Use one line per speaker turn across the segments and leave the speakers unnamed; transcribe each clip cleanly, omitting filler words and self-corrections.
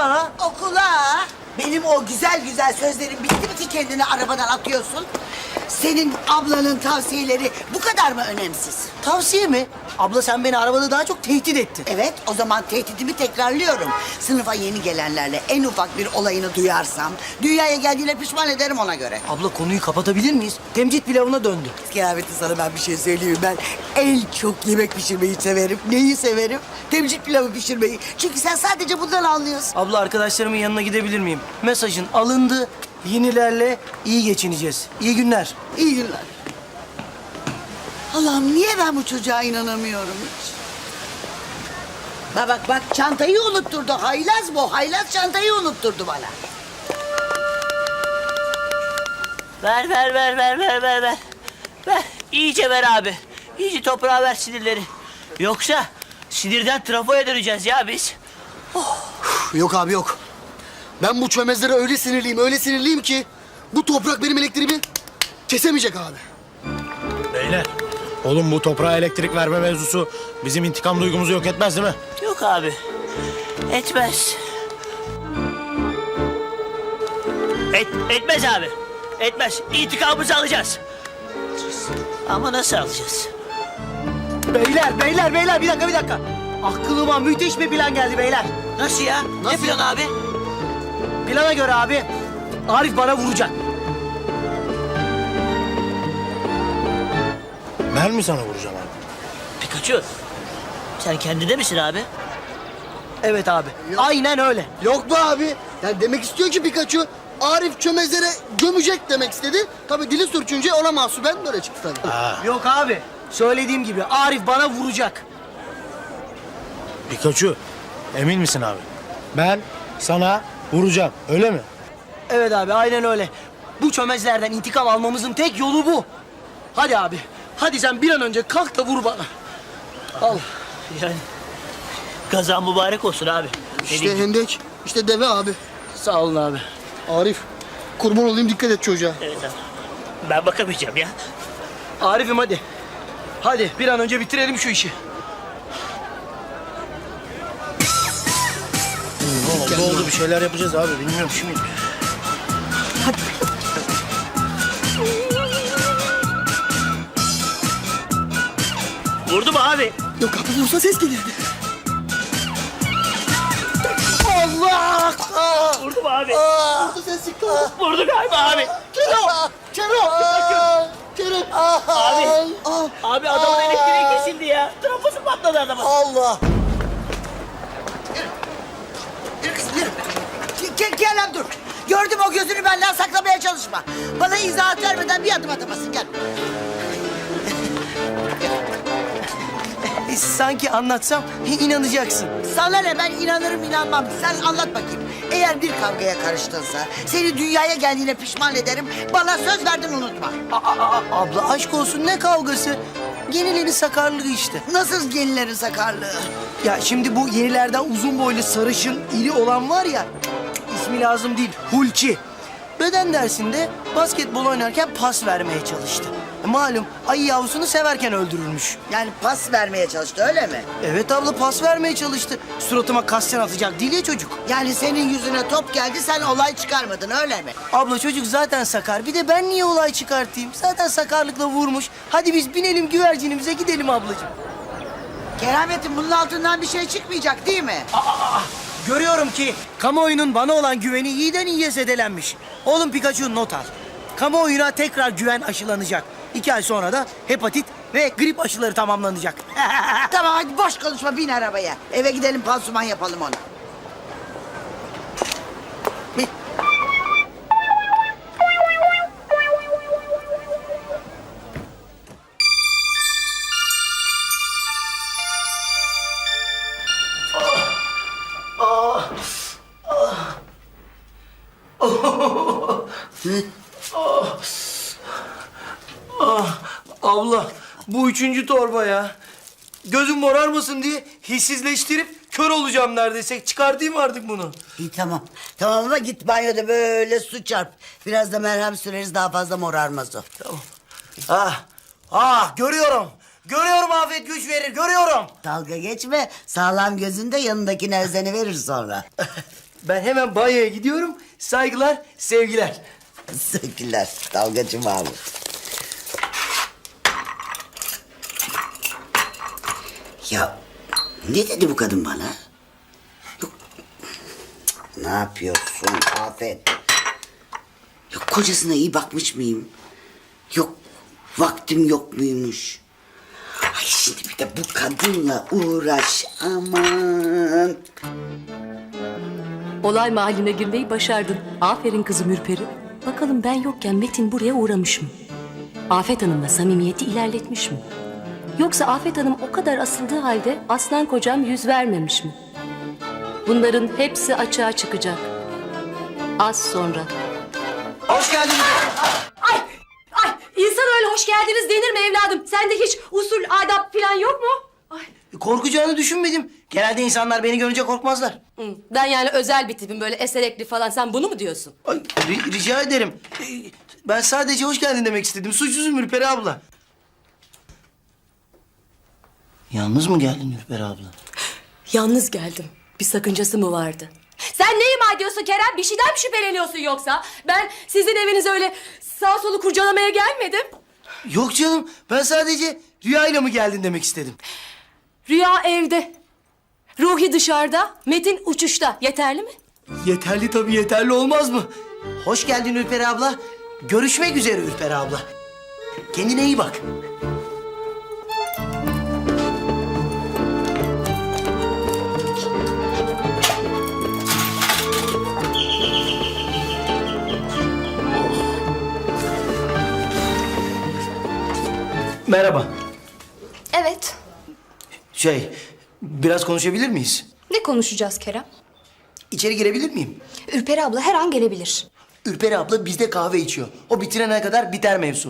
Okula.
Okula. Benim o güzel güzel sözlerim bitti mi ki kendini arabadan atıyorsun? Senin ablanın tavsiyeleri bu kadar mı önemsiz?
Tavsiye mi? Abla sen beni arabada daha çok tehdit ettin.
Evet, o zaman tehdidimi tekrarlıyorum. Sınıfa yeni gelenlerle en ufak bir olayını duyarsam... ...dünyaya geldiğine pişman ederim ona göre.
Abla konuyu kapatabilir miyiz? Temcit pilavına döndü.
Kıyafeti sana ben bir şey söyleyeyim. Ben en çok yemek pişirmeyi severim. Neyi severim? Temcit pilavı pişirmeyi. Çünkü sen sadece bundan anlıyorsun.
Abla arkadaşlarımın yanına gidebilir miyim? Mesajın alındı. Yenilerle iyi geçineceğiz. İyi günler.
İyi günler. Allah'ım niye ben bu çocuğa inanamıyorum hiç? Bak çantayı unutturdu. Haylaz bu. Haylaz çantayı unutturdu bana.
Ver. Ver. İyice ver abi. İyice toprağa ver sinirleri. Yoksa sinirden trafoya döneceğiz ya biz.
Yok abi yok. Ben bu çömezlere öyle sinirliyim ki... ...bu toprak benim elektriğimi kesemeyecek abi.
Beyler, oğlum bu toprağa elektrik verme mevzusu bizim intikam duygumuzu yok etmez değil mi?
Yok abi. Etmez. Etmez abi. Etmez. İntikamımızı alacağız. Ama nasıl alacağız?
Beyler bir dakika. Aklıma müthiş bir plan geldi beyler.
Nasıl ya? Ne plan abi?
Plana göre abi Arif bana vuracak.
Ben mi sana vuracağım abi?
Pikachu. Sen kendinde misin abi?
Evet abi. Aynen öyle.
Yok be abi. Yani demek istiyor ki Pikachu... ...Arif çömezlere gömecek demek istedi. Tabii dili sürçünce ona mahsuben böyle çıktı tabii.
Yok abi. Söylediğim gibi Arif bana vuracak.
Pikachu, emin misin abi? Ben sana vuracağım, öyle mi?
Evet abi aynen öyle. Bu çömezlerden intikam almamızın tek yolu bu. Hadi abi. Hadi sen bir an önce kalk da vur bana. Al.
Yani kazan mübarek olsun abi. Ne
İşte
diyeyim?
hendek, işte deve abi.
Sağ olun abi.
Arif, kurban olayım dikkat et çocuğa.
Evet abi. Ben bakamayacağım ya.
Arif'im hadi. Hadi bir an önce bitirelim şu işi.
Ne oldu, bir şeyler yapacağız abi, bilmiyorum şimdi.
Vurdu mu abi?
Yok abi vursa ses gelirdi.
Allah!
Vurdu mu abi?
Vursa ses çıktı.
Vurdu galiba abi.
Kerem!
Abi. Abi adamın elektriği kesildi ya. Trafosu patladı adamın.
Allah!
Yürü kızım yürü. Gel dur. Gördüm o gözünü benden saklamaya çalışma. Bana izahat vermeden bir adım atamasın gel.
Sanki anlatsam inanacaksın.
Sana ne ben inanırım inanmam. Sen anlat bakayım. Eğer bir kavgaya karıştınsa seni dünyaya geldiğine pişman ederim. Bana söz verdin unutma.
Abla aşk olsun ne kavgası? Yenilerin sakarlığı işte.
Nasıl yenilerin sakarlığı?
Ya şimdi bu yenilerden uzun boylu sarışın iri olan var ya... ...ismi lazım değil, Hulki. Beden dersinde basketbol oynarken pas vermeye çalıştı. Malum ayı yavrusunu severken öldürülmüş.
Yani pas vermeye çalıştı öyle mi?
Evet abla pas vermeye çalıştı. Suratıma kasten atacak değil ya çocuk.
Yani senin yüzüne top geldi sen olay çıkarmadın öyle mi?
Abla çocuk zaten sakar. Bir de ben niye olay çıkartayım? Zaten sakarlıkla vurmuş. Hadi biz binelim güvercinimize gidelim ablacığım.
Kerametin bunun altından bir şey çıkmayacak değil mi?
Görüyorum ki kamuoyunun bana olan güveni iyiden iyiye zedelenmiş. Oğlum Pikachu not al. Kamuoyuna tekrar güven aşılanacak. 2 ay sonra da hepatit ve grip aşıları tamamlanacak.
Tamam hadi boş konuşma bin arabaya. Eve gidelim pansuman yapalım ona. Bin.
Abla bu 3. torba ya. Gözüm morarmasın diye hissizleştirip kör olacağım neredeyse. Çıkartayım artık bunu.
İyi tamam. Tamam ama git banyoda böyle su çarp. Biraz da merhem süreriz daha fazla morarmaz o.
Görüyorum. Görüyorum afet güç verir, görüyorum.
Dalga geçme. Sağlam gözünde yanındakine özeni verir sonra.
Ben hemen banyoya gidiyorum. Saygılar, sevgiler.
Sevgiler dalgacı Mahmut. Ya ne dedi bu kadın bana? Yok. Ne yapıyorsun Afet? Yok kocasına iyi bakmış mıyım? Yok vaktim yok muymuş? Ay şimdi bir de bu kadınla uğraş aman.
Olay mahalline girmeyi başardın. Aferin kızım Ürperi. Bakalım ben yokken Metin buraya uğramış mı? Afet Hanım'la samimiyeti ilerletmiş mi? Yoksa Afet Hanım o kadar asıldığı halde aslan kocam yüz vermemiş mi? Bunların hepsi açığa çıkacak. Az sonra.
Hoş geldiniz.
Ay insan öyle hoş geldiniz denir mi evladım? Sende hiç usul, adap falan yok mu? Ay.
Korkacağını düşünmedim. Genelde insanlar beni görünce korkmazlar.
Ben yani özel bir tipim böyle eserekli falan. Sen bunu mu diyorsun?
Ay, rica ederim. Ben sadece hoş geldin demek istedim. Suçsuzum Ürperi abla. Yalnız mı geldin Ürperi abla?
Yalnız geldim. Bir sakıncası mı vardı? Sen ne ima ediyorsun Kerem? Bir şeyden mi şüpheleniyorsun yoksa? Ben sizin evinize öyle sağ solu kurcalamaya gelmedim.
Yok canım. Ben sadece rüyayla mı geldin demek istedim.
Rüya evde. Ruhi dışarıda, Metin uçuşta. Yeterli mi?
Yeterli tabii, yeterli olmaz mı? Hoş geldin Ürperi abla. Görüşmek üzere Ürperi abla. Kendine iyi bak. Merhaba.
Evet.
Biraz konuşabilir miyiz?
Ne konuşacağız Kerem?
İçeri girebilir miyim?
Ürperi abla her an gelebilir.
Ürperi abla bizde kahve içiyor. O bitirene kadar biter mevzu.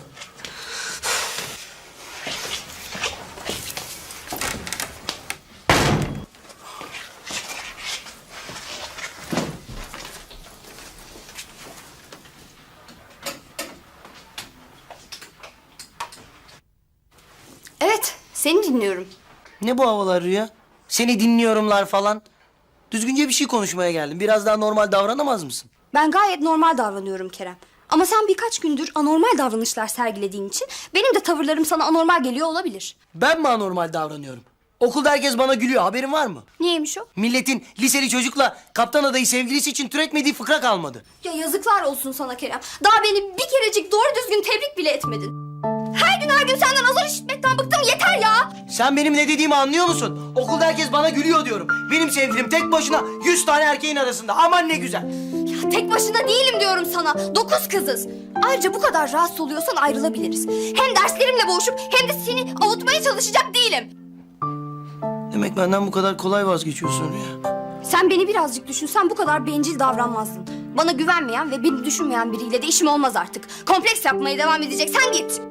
Evet, seni dinliyorum.
Ne bu havalar Rüya? Seni dinliyorumlar falan. Düzgünce bir şey konuşmaya geldim. Biraz daha normal davranamaz mısın?
Ben gayet normal davranıyorum Kerem. Ama sen birkaç gündür anormal davranışlar sergilediğin için benim de tavırlarım sana anormal geliyor olabilir.
Ben mi anormal davranıyorum? Okulda herkes bana gülüyor. Haberin var mı?
Niyeymiş o?
Milletin liseli çocukla kaptan adayı sevgilisi için türetmediği fıkra kalmadı.
Ya yazıklar olsun sana Kerem. Daha beni bir kerecik doğru düzgün tebrik bile etmedin. Her gün senden azar işitmekten bıktım, yeter ya.
Sen benim ne dediğimi anlıyor musun? Okulda herkes bana gülüyor diyorum. Benim sevgilim tek başına 100 tane erkeğin arasında. Aman ne güzel.
Ya tek başına değilim diyorum sana. 9 kızız. Ayrıca bu kadar rahatsız oluyorsan ayrılabiliriz. Hem derslerimle boğuşup hem de seni avutmaya çalışacak değilim.
Demek benden bu kadar kolay vazgeçiyorsun Rüya.
Sen beni birazcık düşünsen bu kadar bencil davranmazdın. Bana güvenmeyen ve beni düşünmeyen biriyle de işim olmaz artık. Kompleks yapmaya devam edeceksen git.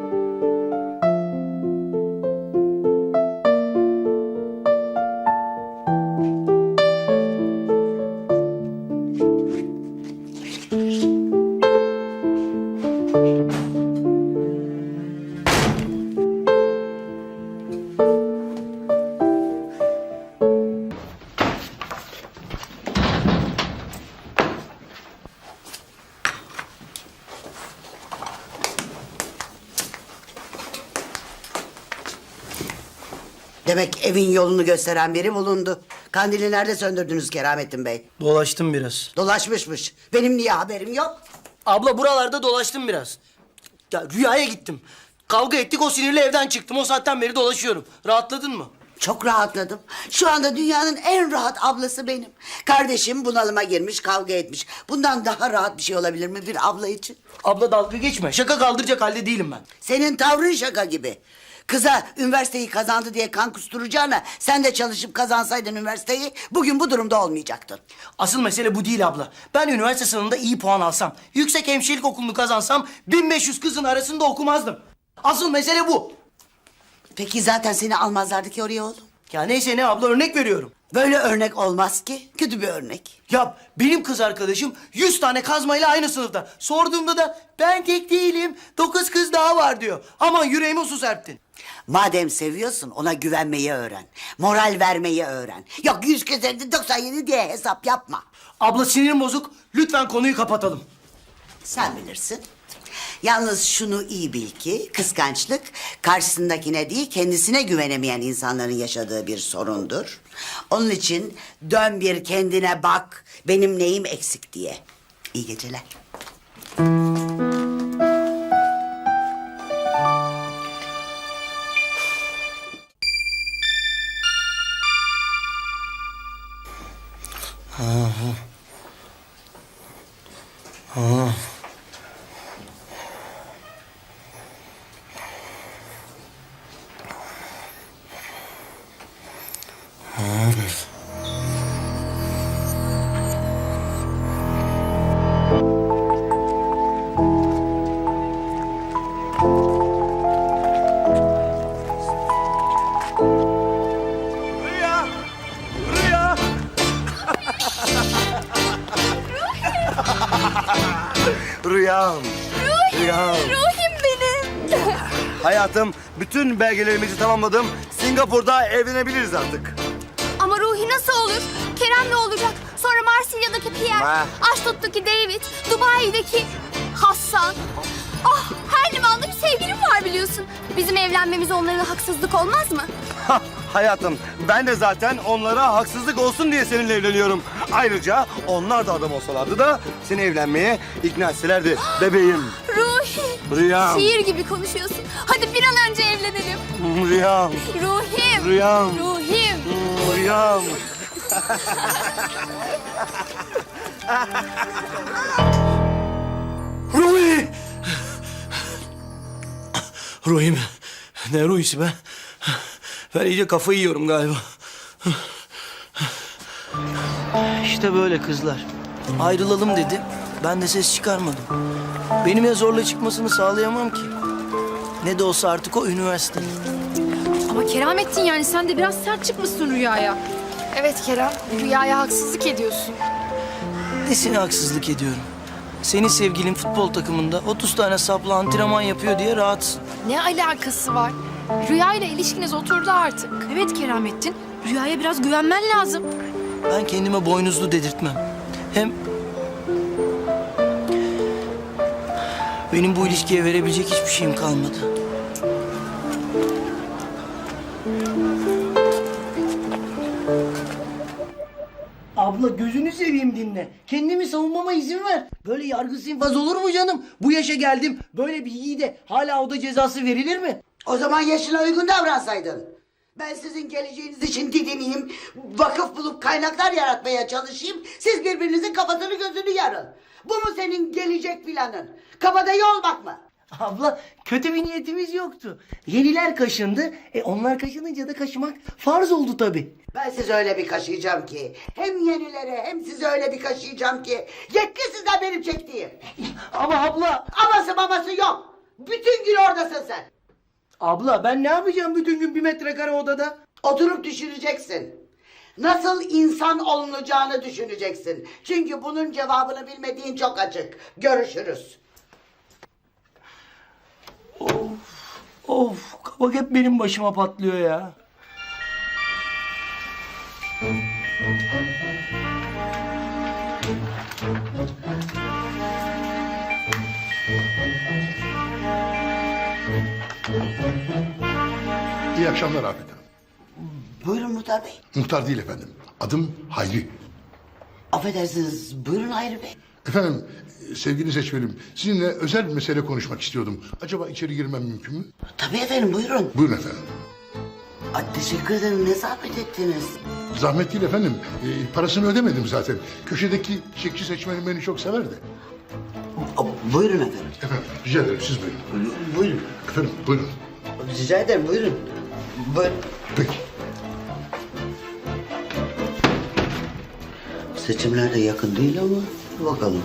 Demek evin yolunu gösteren biri bulundu. Kandili nerede söndürdünüz Keramettin Bey?
Dolaştım biraz.
Dolaşmışmış. Benim niye haberim yok?
Abla buralarda dolaştım biraz. Ya Rüya'ya gittim. Kavga ettik, o sinirle evden çıktım. O saatten beri dolaşıyorum. Rahatladın mı?
Çok rahatladım. Şu anda dünyanın en rahat ablası benim. Kardeşim bunalıma girmiş, kavga etmiş. Bundan daha rahat bir şey olabilir mi bir abla için?
Abla dalga geçme. Şaka kaldıracak halde değilim ben.
Senin tavrın şaka gibi. Kıza üniversiteyi kazandı diye kan kusturacağına sen de çalışıp kazansaydın üniversiteyi bugün bu durumda olmayacaktın.
Asıl mesele bu değil abla. Ben üniversite sınavında iyi puan alsam, yüksek hemşirelik okulunu kazansam 1500 kızın arasında okumazdım. Asıl mesele bu.
Peki zaten seni almazlardı ki oraya oğlum.
Ya neyse ne abla, örnek veriyorum.
Böyle örnek olmaz ki. Kötü bir örnek.
Ya benim kız arkadaşım 100 tane kazmayla aynı sınıfta. Sorduğumda da ben tek değilim, 9 kız daha var diyor. Aman yüreğime su serptin.
Madem seviyorsun ona güvenmeyi öğren. Moral vermeyi öğren. Yok 100 kez 97 diye hesap yapma.
Abla sinirim bozuk. Lütfen konuyu kapatalım.
Sen bilirsin. Yalnız şunu iyi bil ki kıskançlık karşısındakine değil kendisine güvenemeyen insanların yaşadığı bir sorundur. Onun için dön bir kendine bak benim neyim eksik diye. İyi geceler.
Rüyam. Rüyam.
Ruhim benim.
Hayatım, bütün belgelerimizi tamamladım. Singapur'da evlenebiliriz artık.
Ama Ruhi nasıl olur? Kerem ne olacak? Sonra Marsilya'daki Pierre,
Ha.
Aşdod'daki David, Dubai'deki Hassan. Ah, her limanda bir sevgilim var biliyorsun. Bizim evlenmemiz onlara haksızlık olmaz mı?
Hayatım, ben de zaten onlara haksızlık olsun diye seninle evleniyorum. Ayrıca onlar da adam olsalardı da seni evlenmeye ikna etselerdi bebeğim.
Ruhi.
Rüyam.
Şiir gibi konuşuyorsun. Hadi bir an önce evlenelim.
Rüyam.
Ruhim.
Rüyam.
Ruhim.
Rüyam.
Ruhi! Ruhi mi? Ne Ruhi'si be? Ben iyice kafayı yiyorum galiba.
İşte böyle kızlar. Ayrılalım dedi. Ben de ses çıkarmadım. Benim ya zorla çıkmasını sağlayamam ki. Ne de olsa artık o üniversite.
Ama Keramettin yani sen de biraz sert çıkmışsın Rüya'ya.
Evet Kerem, Rüya'ya haksızlık ediyorsun.
Nesine haksızlık ediyorum? Senin sevgilin futbol takımında 30 tane sapla antrenman yapıyor diye rahatsın.
Ne alakası var? Rüya ile ilişkiniz oturdu artık.
Evet Keramettin, Rüya'ya biraz güvenmen lazım.
Ben kendime boynuzlu dedirtmem. Hem benim bu ilişkiye verebilecek hiçbir şeyim kalmadı. Abla gözünü seveyim dinle. Kendimi savunmama izin ver. Böyle yargısız infaz olur mu canım? Bu yaşa geldim. Böyle bir yiğide hala oda cezası verilir mi?
O zaman yaşına uygun davransaydın. Ben sizin geleceğiniz için didineyim, vakıf bulup kaynaklar yaratmaya çalışayım. Siz birbirinizin kafasını gözünü yarın. Bu mu senin gelecek planın? Kabadayı olmak mı?
Abla kötü bir niyetimiz yoktu. Yeniler kaşındı. Onlar kaşınınca da kaşımak farz oldu tabii.
Ben sizi öyle bir kaşıyacağım ki, hem yenilere hem sizi öyle bir kaşıyacağım ki, yetti sizden benim çektiğim.
Ama abla...
Aması maması yok. Bütün gün oradasın sen.
Abla ben ne yapacağım bütün gün 1 metrekare odada?
Oturup düşüneceksin. Nasıl insan olunacağını düşüneceksin. Çünkü bunun cevabını bilmediğin çok açık. Görüşürüz.
Of kabak hep benim başıma patlıyor ya.
İyi akşamlar Afet Hanım.
Buyurun Muhtar Bey.
Muhtar değil efendim. Adım Hayri.
Affedersiniz. Buyurun Hayri Bey.
Efendim, sevgili seçmenim, sizinle özel bir mesele konuşmak istiyordum. Acaba içeri girmem mümkün mü?
Tabii efendim buyurun.
Buyurun efendim.
Ay, teşekkür ederim. Ne zahmet ettiniz.
Zahmet değil efendim. Parasını ödemedim zaten. Köşedeki çiçekçi seçmenim beni çok severdi.
Buyurun efendim.
Efendim, rica ederim siz buyurun.
Buyurun.
Efendim, buyurun.
Rica ederim buyurun. Buyurun.
Peki.
Seçimler de yakın değil ama bakalım.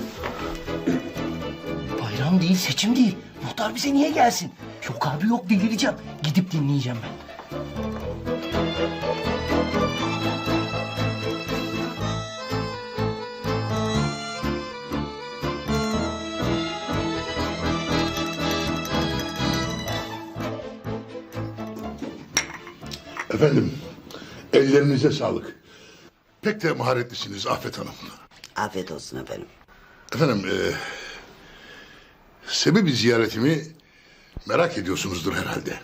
Bayram değil seçim değil. Muhtar bize niye gelsin? Yok abi yok delireceğim. Gidip dinleyeceğim ben.
Efendim, ellerinize sağlık. Pek de maharetlisiniz Afet Hanım.
Afiyet olsun efendim.
Efendim, sebebi ziyaretimi merak ediyorsunuzdur herhalde.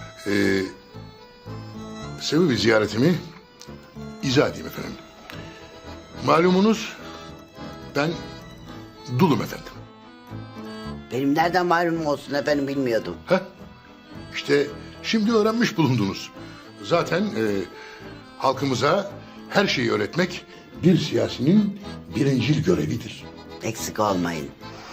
Sebebi ziyaretimi izah edeyim efendim. Malumunuz ben dulum efendim.
Benim nereden malum olsun efendim, bilmiyordum.
Heh, işte şimdi öğrenmiş bulundunuz. Zaten halkımıza her şeyi öğretmek bir siyasinin birincil görevidir.
Eksik olmayın.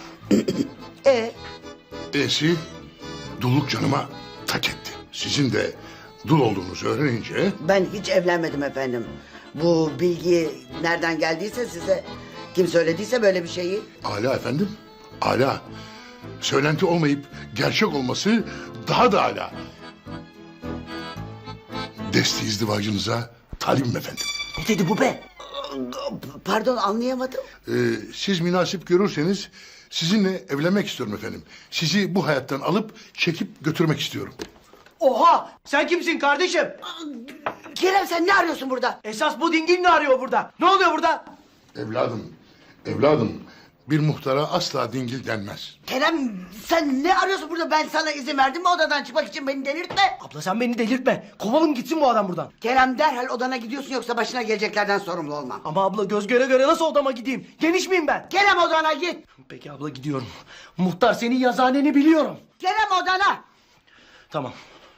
E'si dulluk canıma tak etti. Sizin de dul olduğunuzu öğrenince
Ben hiç evlenmedim efendim. Bu bilgi nereden geldiyse size, kim söylediyse böyle bir şeyi.
âlâ efendim, âlâ. Söylenti olmayıp gerçek olması daha da âlâ. Desti izdivacınıza talibim efendim.
Ne dedi bu be?
Pardon, anlayamadım.
Siz münasip görürseniz sizinle evlenmek istiyorum efendim. Sizi bu hayattan alıp çekip götürmek istiyorum.
Oha! Sen kimsin kardeşim?
Kerem, sen ne arıyorsun burada?
Esas bu dingil ne arıyor burada? Ne oluyor burada?
Evladım, bir muhtara asla dingil denmez.
Kerem, sen ne arıyorsun burada? Ben sana izin verdim mi odadan çıkmak için? Beni delirtme.
Abla sen beni delirtme. Kovalım gitsin bu adam buradan.
Kerem, derhal odana gidiyorsun, yoksa başına geleceklerden sorumlu olmam.
Ama abla göz göre göre nasıl odama gideyim? Geniş miyim ben?
Kerem, odana git.
Peki abla gidiyorum. Muhtar senin yazıhaneni biliyorum.
Kerem, odana.
Tamam.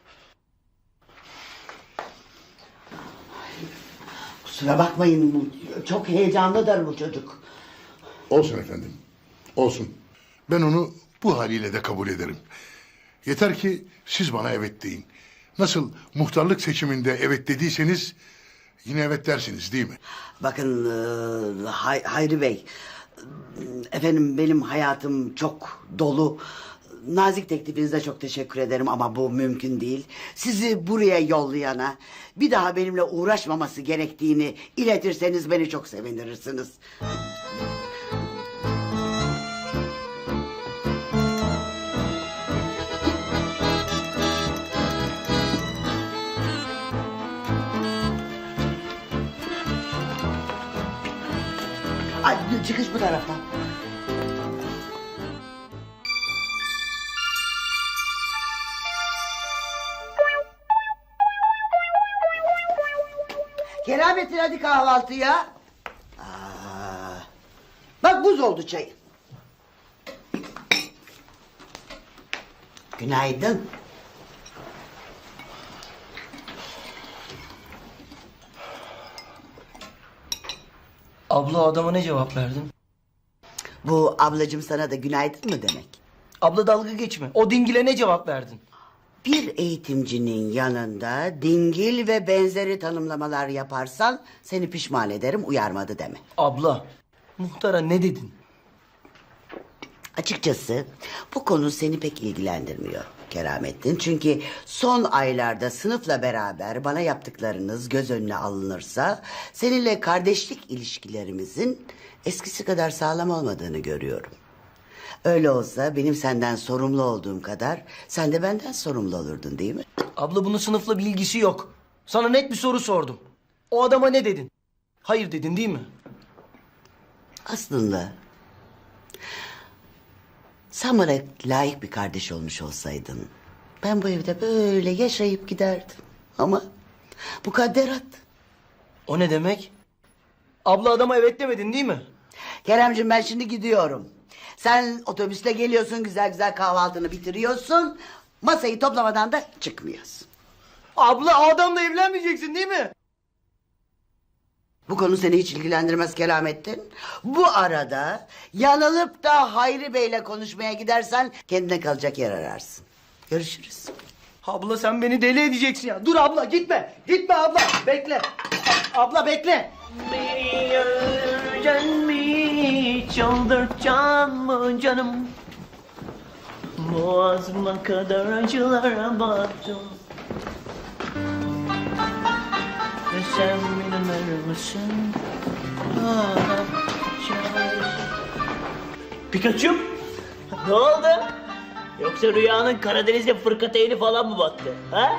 Kusura bakmayın, çok heyecanlıdır bu çocuk.
Olsun efendim, olsun. Ben onu bu haliyle de kabul ederim. Yeter ki siz bana evet deyin. Nasıl muhtarlık seçiminde evet dediyseniz yine evet dersiniz değil mi?
Bakın Hayri Bey, efendim benim hayatım çok dolu. Nazik teklifinize çok teşekkür ederim ama bu mümkün değil. Sizi buraya yollayana bir daha benimle uğraşmaması gerektiğini iletirseniz beni çok sevinirsiniz. Ay, çıkış bu taraftan. Keramettin, hadi kahvaltıya. Bak, buz oldu çayın. Günaydın.
Abla adama ne cevap verdin?
Bu ablacığım sana da günaydın mı demek?
Abla dalga geçme. O dingile ne cevap verdin?
Bir eğitimcinin yanında dingil ve benzeri tanımlamalar yaparsan seni pişman ederim, uyarmadı deme.
Abla muhtara ne dedin?
Açıkçası bu konu seni pek ilgilendirmiyor Keramettin. Çünkü son aylarda sınıfla beraber bana yaptıklarınız göz önüne alınırsa seninle kardeşlik ilişkilerimizin eskisi kadar sağlam olmadığını görüyorum. Öyle olsa benim senden sorumlu olduğum kadar sen de benden sorumlu olurdun, değil mi?
Abla bunun sınıfla bir ilgisi yok. Sana net bir soru sordum. O adama ne dedin? Hayır dedin değil mi?
Aslında sen bana layık bir kardeş olmuş olsaydın ben bu evde böyle yaşayıp giderdim. Ama mukadderat.
O ne demek? Abla adama evet demedin değil mi?
Keremciğim, ben şimdi gidiyorum. Sen otobüsle geliyorsun, güzel güzel kahvaltını bitiriyorsun. Masayı toplamadan da çıkmıyorsun.
Abla o adamla evlenmeyeceksin değil mi?
Bu konu seni hiç ilgilendirmez Keramettin. Bu arada yanılıp da Hayri Bey'le konuşmaya gidersen kendine kalacak yer ararsın. Görüşürüz.
Abla sen beni deli edeceksin ya. Dur abla gitme. Gitme abla. Bekle. Abla bekle.
Beni öldüreceksin mi? Çıldırtacaksın mı canım? Boğazıma kadar acılara battım. Ve sen bilir misin? Pikachu? Ne oldu? Yoksa rüyanın Karadeniz'de fırkateyni falan mı battı? Ha?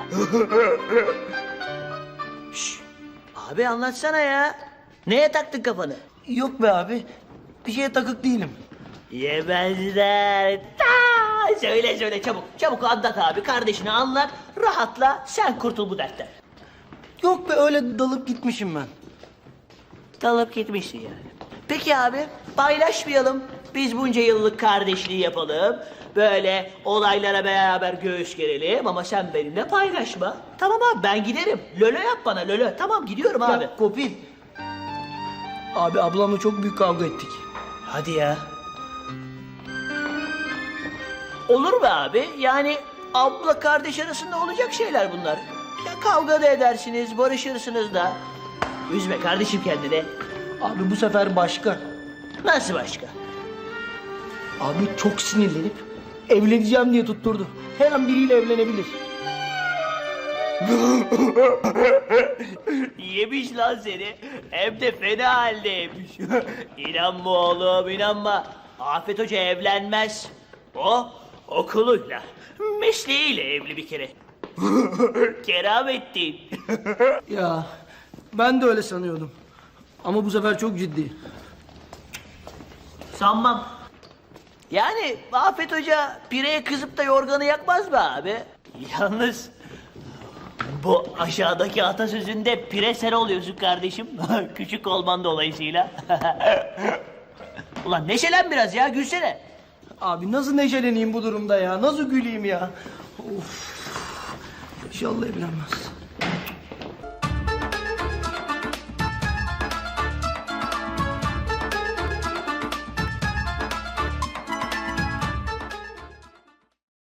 Şş, abi anlatsana ya. Neye taktın kafanı?
Yok be abi. bir şeye takık değilim.
Yemezler. Ta! Söyle çabuk. Çabuk anlat abi. Kardeşine anlat. Rahatla. Sen kurtul bu dertten.
Yok be, öyle dalıp gitmişim ben.
Dalıp gitmişsin yani. Peki abi, paylaşmayalım. Biz bunca yıllık kardeşliği yapalım. Böyle olaylara beraber göğüs gerelim ama sen benimle paylaşma. Tamam abi, ben giderim. Lolo yap bana, lolo. Tamam, gidiyorum abi.
Ya Kopil. Abi ablamla çok büyük kavga ettik.
Hadi ya. Olur mu abi? Yani abla kardeş arasında olacak şeyler bunlar. Ya kavga da edersiniz, barışırsınız da. Üzme kardeşim kendini.
Abi bu sefer başka.
Nasıl başka?
Abi çok sinirlenip evleneceğim diye tutturdu. Her an biriyle evlenebilir.
Yemiş lan seni. Hem de fena halde yemiş. İnanma oğlum, inanma. Afet Hoca evlenmez. O okuluyla, mesleğiyle evli bir kere. Keramettin.
Ya ben de öyle sanıyordum. Ama bu sefer çok ciddi.
Sanmam. Yani Afet Hoca pireye kızıp da yorganı yakmaz mı abi? Yalnız bu aşağıdaki atasözünde pire sen oluyorsun kardeşim. Küçük olman dolayısıyla. Ulan neşelen biraz ya, gülsene.
Abi nasıl neşeleneyim bu durumda ya? Nasıl güleyim ya? Of. İnşallah evlenmez.